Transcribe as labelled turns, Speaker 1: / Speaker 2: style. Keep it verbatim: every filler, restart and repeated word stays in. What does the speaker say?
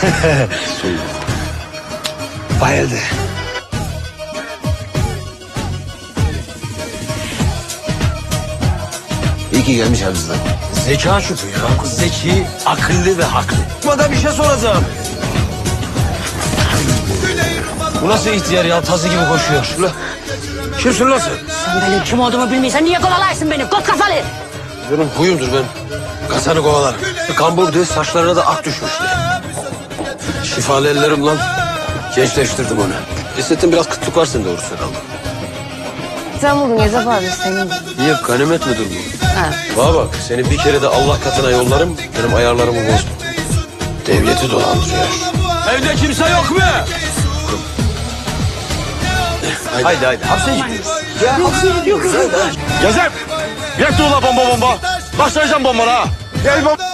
Speaker 1: Bayıldı. İyi ki gelmiş Hafız'dan.
Speaker 2: Zeka şüphü ya. Zeki, akıllı ve haklı. Bana bir şey soracağım. Bu nasıl ihtiyar ya? Tazı gibi koşuyor. Ulan, kimsin lan sen?
Speaker 3: Sen benim kim olduğumu bilmiyorsan niye kovalarsın beni? Kot kafalı.
Speaker 2: Benim huyumdur ben. Kasanı kovalarım. Kamburdu, saçlarına da ak düşmüştü. Şifalı ellerim lan. Gençleştirdim onu. Hissettim biraz kıtlık var sende doğrusu herhalde.
Speaker 3: Sen buldun Gezef abi senin.
Speaker 2: Niye ganimet midir bu?
Speaker 3: Ha.
Speaker 2: Bana bak seni bir kere de Allah katına yollarım. Benim ayarlarımı bozma. Devleti dolandırıyor. Evde kimse yok mu? Haydi haydi. haydi. Hapsine
Speaker 3: Yok yok yok.
Speaker 4: Gezem! Yak dur la bomba bomba. Başlayacağım bombana ha. Gel bomba.